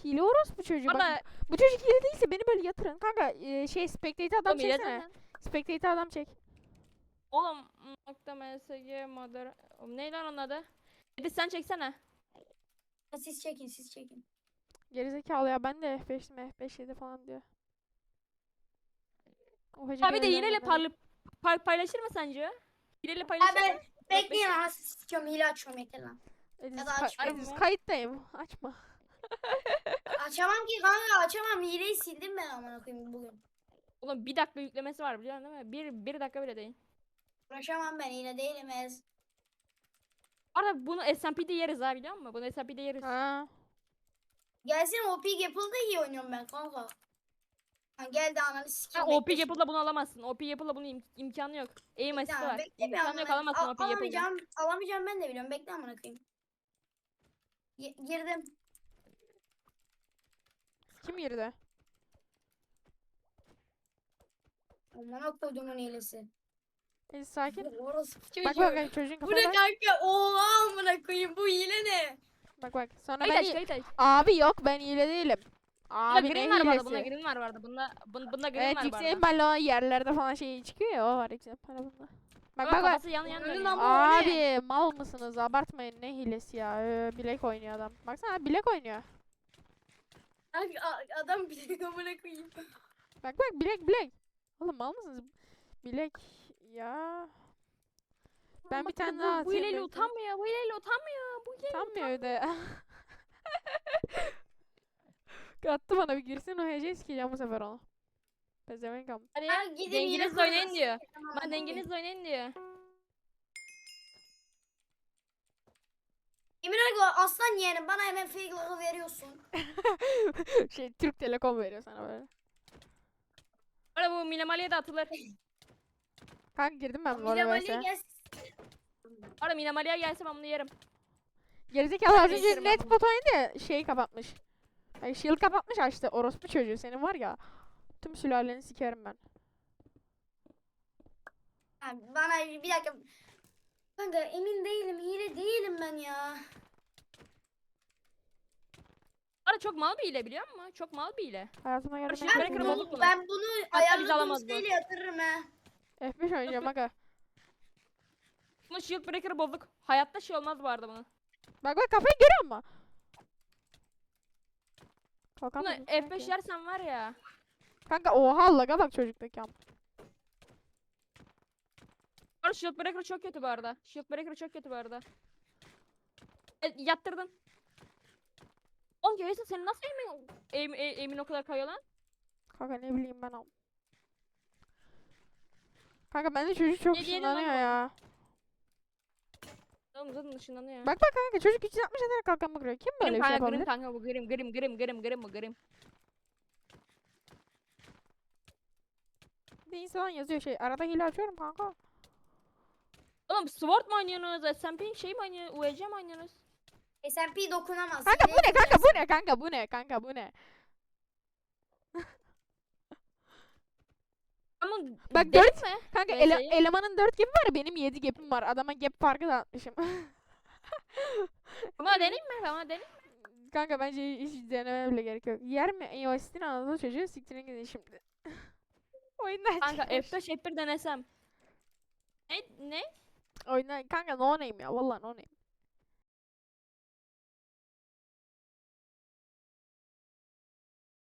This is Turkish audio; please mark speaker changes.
Speaker 1: hile orospu çocuğu. Bak,
Speaker 2: Orada
Speaker 1: bu çocuk hile değilse beni böyle yatırın. Kanka spectate adam
Speaker 2: oğlum hile
Speaker 1: çeksene.
Speaker 2: zaten.
Speaker 1: Spectate adam çek.
Speaker 2: Oğlum .msg modder. Oğlum neydi lan onun adı? Hadi sen çeksene.
Speaker 3: Siz çekin siz çekin.
Speaker 1: Gerizekalı ya, ben de F5'tim, F5 7 falan diyor. O hacı
Speaker 2: Abi de
Speaker 1: görevden
Speaker 2: hileyle
Speaker 1: gönderdim.
Speaker 2: paylaşır mı sence? Hileyle
Speaker 3: Ha
Speaker 2: paylaşır
Speaker 3: ben
Speaker 2: mı?
Speaker 3: bekleyin ha siz sıkıyorum hile açıyorum yeter lan.
Speaker 1: Ediz,
Speaker 3: Ya da açmayayım
Speaker 1: Ediz
Speaker 2: ya.
Speaker 1: kayıttayım. Açma.
Speaker 3: Açamam ki kanka açamam hileyi sildim ben amına koyayım bugün.
Speaker 2: Oğlum 1 dakika yüklemesi var biliyorsun değil mi? Bir dakika bile değil.
Speaker 3: Uğraşamam ben hile değilim ez.
Speaker 2: Arada bunu SMP'de yeriz ha biliyor musun? Bunu SMP'de yeriz.
Speaker 1: Ha.
Speaker 3: Gelsin OP Gapple'da iyi oynuyorum ben kanka. Ha geldi ananı
Speaker 2: Ha,
Speaker 3: sikeyim.
Speaker 2: OP
Speaker 3: bekle
Speaker 2: Apple'la bunu alamazsın. OP Apple'la bunun imkanı yok. Aim
Speaker 3: şimdi.
Speaker 2: assist'i var.
Speaker 3: Bekle bir
Speaker 2: İmkanı yok
Speaker 3: amına.
Speaker 2: alamazsın OP Apple'la.
Speaker 3: Alamayacağım ben de biliyorum. Bekle amına koyayım. Girdim.
Speaker 1: Kim girdi?
Speaker 3: Amına koyduğumun hilesi.
Speaker 1: Ediz sakin.
Speaker 3: Orası
Speaker 1: Bak bak çocuğun
Speaker 3: Bu
Speaker 1: kafaya
Speaker 3: ne
Speaker 1: bak.
Speaker 3: kanka? Oha amına koyayım bu hile ne?
Speaker 1: Bak. Sonra
Speaker 2: Kayıt
Speaker 1: ben
Speaker 2: aç kayıt aç.
Speaker 1: abi yok, ben hile değilim.
Speaker 2: Bunda
Speaker 1: Abi ne
Speaker 2: green var bu arada. Bunda
Speaker 1: hilesi?
Speaker 2: green var bu arada. Bunda green
Speaker 1: Evet,
Speaker 2: var bu
Speaker 1: yüksek
Speaker 2: arada.
Speaker 1: ihtimalle o yerlerde falan şey çıkıyor ya, o var yüksek ihtimalle bunda. Bak
Speaker 2: Ama
Speaker 1: bak.
Speaker 2: kafası yan yan
Speaker 3: Önün
Speaker 2: dönüyor.
Speaker 3: ama- o ne?
Speaker 1: Abi mal mısınız? Abartmayın, ne hilesi ya. Bilek oynuyor adam. Baksana, bilek oynuyor.
Speaker 3: Kanka adam bile amına koyayım.
Speaker 1: Bak bilek. Oğlum mal mısınız? Bilek ya. Ben bir tane daha
Speaker 2: Bu
Speaker 1: atayım.
Speaker 2: hileyle
Speaker 1: bekle.
Speaker 2: utanmıyor. Bu hileyle utanmıyor. Bu hileyle
Speaker 1: Utanmıyor öyle. Attı bana, bir girsin o hece sikeceğim bu sefer onu. Pezevenk am.
Speaker 2: Hadi
Speaker 3: Ha, gidin
Speaker 2: dengenizle
Speaker 3: yine
Speaker 2: oynayın
Speaker 3: kurtarın.
Speaker 2: diyor.
Speaker 3: Tamam,
Speaker 2: Ben
Speaker 3: tamam.
Speaker 2: dengenizle oynayın diyor.
Speaker 3: Emir Ergo aslan yeğenim bana hemen fake logo veriyorsun.
Speaker 1: Şey, Türk Telekom veriyor sana böyle.
Speaker 2: Orada bu Minamali'ye de atılır.
Speaker 1: Kanka girdim ben bu
Speaker 3: Mila
Speaker 1: arada
Speaker 3: Mali'ye
Speaker 1: vs.
Speaker 3: gelsin.
Speaker 2: Orada Minamali'ye gelse ben bunu yerim.
Speaker 1: Gerizekalı az önce
Speaker 2: Değiştirim ben
Speaker 1: net
Speaker 2: bunu.
Speaker 1: pot oynadı ya, şeyi kapatmış. Yani shield kapatmış, açtı. Orospu çocuğu senin var ya. Tüm sülaleni sikerim ben.
Speaker 3: Ha, bana bir dakika. Kanka emin değilim hile değilim ben ya.
Speaker 2: Orada çok mal bir hile biliyor musun? Çok mal bir hile.
Speaker 1: Hayatıma geldim.
Speaker 2: Şu
Speaker 1: en
Speaker 2: Breaker
Speaker 1: kötü
Speaker 2: bozuk bunu.
Speaker 3: Ben bunu
Speaker 2: Hatta bizi
Speaker 3: ayarladığım
Speaker 2: alamaz bu.
Speaker 3: siteyle yatırırım he.
Speaker 1: F5 oynayacağım aga.
Speaker 2: Bunun shield breaker'ı bozuk. Hayatta şey olmaz bu arada bunun.
Speaker 1: Bak kafayı görüyor musun?
Speaker 2: Bunu
Speaker 1: Kalkamadım
Speaker 2: F5
Speaker 1: sanki.
Speaker 2: yersen var ya.
Speaker 1: Kanka oha, laga bak çocuktaki am.
Speaker 2: Orada shield breaker çok kötü bu arada. Shield breaker çok kötü bu arada. Yattırdın. Oğlum görüyorsun senin nasıl emin o kadar kayıyor lan?
Speaker 1: Kanka ne bileyim ben am. Kanka bende çocuk çok
Speaker 2: Ne diyelim lan
Speaker 1: ışınlanıyor
Speaker 2: oğlum?
Speaker 1: ya.
Speaker 2: Oğlum zaten ışınlanıyor.
Speaker 1: Bak kanka, çocuk 360 ederek kalkanma kuruyor. Kim böyle
Speaker 2: Grim
Speaker 1: bir şey
Speaker 2: kanka,
Speaker 1: yapabilir?
Speaker 2: grim kanka bu grim bu grim.
Speaker 1: Bir insan yazıyor şey. Arada hile açıyorum kanka.
Speaker 2: Oğlum Sword mu oynuyorsunuz? SMP şey mi oynuyorsunuz? UEC mi oynuyorsunuz?
Speaker 3: SMP dokunamaz.
Speaker 1: Kanka bu
Speaker 3: hileyi
Speaker 1: ne kanka,
Speaker 3: kırarsın.
Speaker 1: bu ne kanka, bu ne kanka, bu ne?
Speaker 2: Ama
Speaker 1: Bak,
Speaker 2: dedim
Speaker 1: dört-
Speaker 2: mi?
Speaker 1: Kanka
Speaker 2: VS'yi.
Speaker 1: elemanın 4 gibi var, benim 7 gap'im var. Adama gap farkı da atmışım.
Speaker 2: Bana deneyim mi? Bana deneyim mi?
Speaker 1: Kanka bence hiç denemeye bile gerek yok. Yer mi? iOS'tin Anadolu çocuğu, siktirin gidin şimdi. Oyundan
Speaker 2: Kanka
Speaker 1: çıkmış.
Speaker 2: F5 F1 denesem. Ne?
Speaker 1: Oyundan kanka, no name ya, vallahi no name.